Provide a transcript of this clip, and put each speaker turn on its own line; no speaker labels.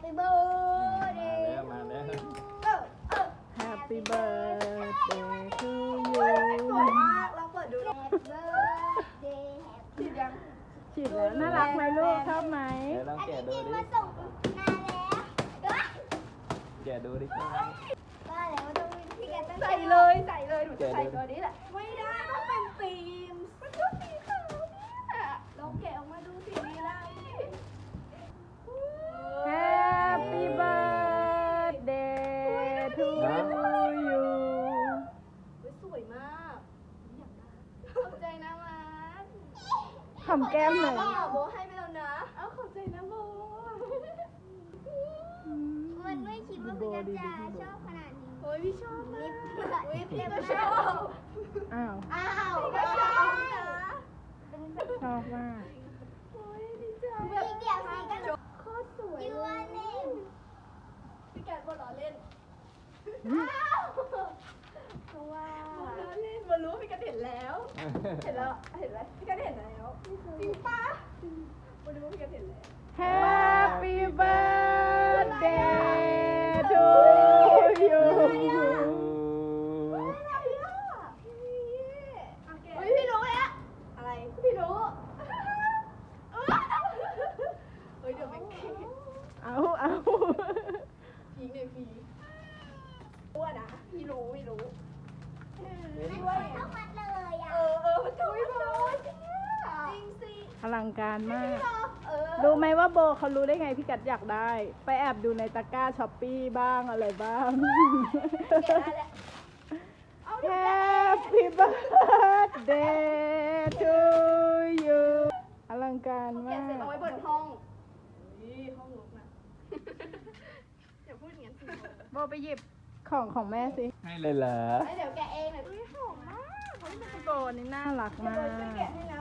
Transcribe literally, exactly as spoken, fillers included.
Happy birthday
มาแล้ว
เออเออ
Happy birthday to
สวย
you
มากลองเปิดดู
Happy birthday
ติดยัง
ฉีดแล้วน่ารักไหมลูกชอบไหม
เดี๋ยวลอง
อัน
แกะ
นี้
ดู
จริง
ดิ
มาส่งนานแล้ว
แกะดูดิ
ว่าแล้วต้องพี่แกต้อง
ใส่เลยใส่เลยหนูจะใส่ตัวนี้แหละไม่ได้ต้องเป็นฟิล์มมันก็สีขาวเนี่ยลองแกะออกมาดูสีนี้ได้
Happy birthday to you
สวยมากอยากได้ขอบใจนะมัน
หอมแก้มหน่อย
โบให้ไปแล้วนะเอาขอบใจนะโบ
มันไม่คิดว่าพี่แกจะชอบขนาดนี้
โอ้ยพี่ชอบมาก
นิด
อุ้ยพี่ก็ชอบ
อ้าว
อ้าวพี่ก็ชอบนะ
ชอบมาก
โอ้ยดีใจ
อีกเดี๋ยวสิกัน
โคตรสวย
ยูอันเนม
พี่แกบอลล้อเล่นอ้าวเพราะว่าบอลล้อเล่นบอลรู้ว่าพี่แกเห็นแล้ว เห็นแล้ว เห็นไหมพี่แกเห็นแล้วจริงปะบอลรู้ว่าพี่แกเห็นแล้ว
Happy birthday to you
เฮ้ยพี่รู้แล้วอะไรพี่รู้เฮ้ยเดี๋ยวไปเค้ก
เอาเอา
พีคเลยพีครู้อะนะพี่รู้พี่รู้
ต้องมัดเลยอ่ะ
เออเออมันถูกเลยจริงสิ
อลังการมาก
เออ
รู้ไหมว่าโบเขารู้ได้ไงพี่กัดอยากได้ ไปแอบดูในตะกร้าช้อปปี้บ้างอะไรบ้าง
แกะได้แล้ว
Happy birthday to you อลังการ
แกะ
มา
เสร็จเอาไว้
ก
บนห้องนี่ห้องลุกนะอย่าพูดอย่างนั้นสิ
โบไปหยิบของของแม่สิ
ให้เลยเหรอ
เดี๋ยวแกะเองหน่อยอุ้ยหอมมาก
โบนี่น่ารักมา
โดยช่วยแกะ
ก
ให้นะ